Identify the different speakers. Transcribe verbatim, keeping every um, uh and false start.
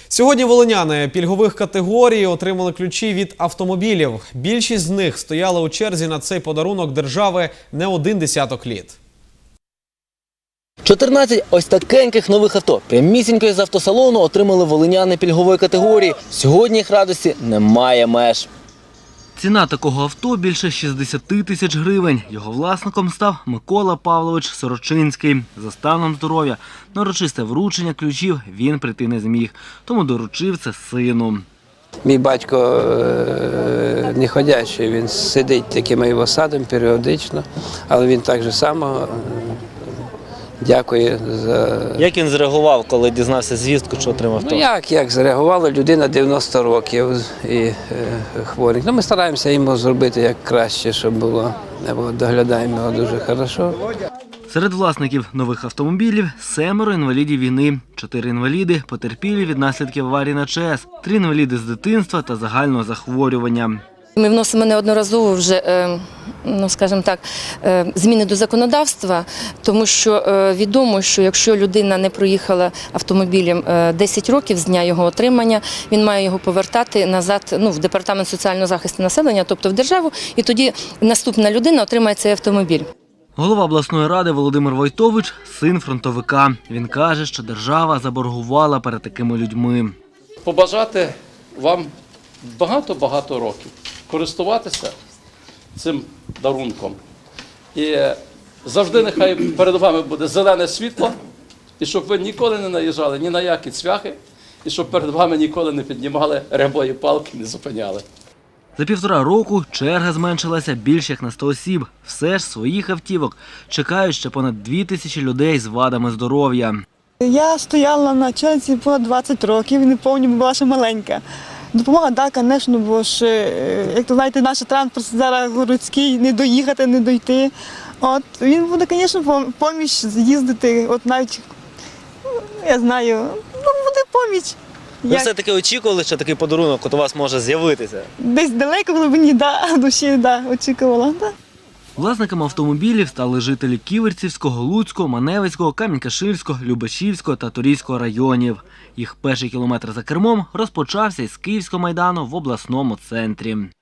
Speaker 1: Сьогодні волиняни пільгових категорій отримали ключі від автомобілів. Більшість з них стояли у черзі на цей подарунок держави не один десяток літ.
Speaker 2: чотирнадцять ось такеньких нових авто прямісінько з автосалону отримали волиняни пільгової категорії. Сьогодні їх радості немає меж. Ціна такого авто – більше шістдесят тисяч гривень. Його власником став Микола Павлович Сорочинський. За станом здоров'я на урочисте вручення ключів він прийти не зміг, тому доручив це сину.
Speaker 3: Мій батько не ходячий, він сидить такими його садом періодично, але він так же само дякує за…
Speaker 2: Як він зреагував, коли дізнався звістку, що отримав авто?
Speaker 3: Ну як, як зреагувала людина дев'яносто років і е, хворий. Ну, ми стараємося йому зробити як краще, щоб було. Доглядаємо його дуже хорошо.
Speaker 2: Серед власників нових автомобілів – семеро інвалідів війни, чотири інваліди потерпілі від наслідків аварії на ЧАЕС, три інваліди з дитинства та загального захворювання.
Speaker 4: Ми вносимо неодноразово вже, ну, скажімо так, зміни до законодавства, тому що відомо, що якщо людина не проїхала автомобілем десять років з дня його отримання, він має його повертати назад, ну, в Департамент соціального захисту населення, тобто в державу, і тоді наступна людина отримає цей автомобіль.
Speaker 2: Голова обласної ради Володимир Войтович – син фронтовика. Він каже, що держава заборгувала перед такими людьми.
Speaker 5: Побажати вам багато-багато років користуватися цим дарунком. І завжди нехай перед вами буде зелене світло, і щоб ви ніколи не наїжджали ні на які цвяхи, і щоб перед вами ніколи не піднімали рябої палки, не зупиняли.
Speaker 2: За півтора року черга зменшилася більш як на сто осіб. Все ж своїх автівок чекають ще понад дві тисячі людей з вадами здоров'я.
Speaker 6: Я стояла на черзі понад двадцять років, не пам'ятаю, була ще маленька. Допомога, так, звісно, бо ж, як то знаєте, наш транспорт зараз городський, не доїхати, не дойти. От, він буде, звісно, поміч їздити, от навіть, я знаю, ну, буде поміч.
Speaker 2: Ви
Speaker 6: Як...
Speaker 2: все-таки очікували, що такий подарунок от у вас може з'явитися?
Speaker 6: Десь далеко в глибині, да, душі, да, очікувала. Да.
Speaker 2: Власниками автомобілів стали жителі Ківерцівського, Луцького, Маневицького, Камінь-Каширського, Любешівського та Турійського районів. Їх перший кілометр за кермом розпочався із Київського майдану в обласному центрі.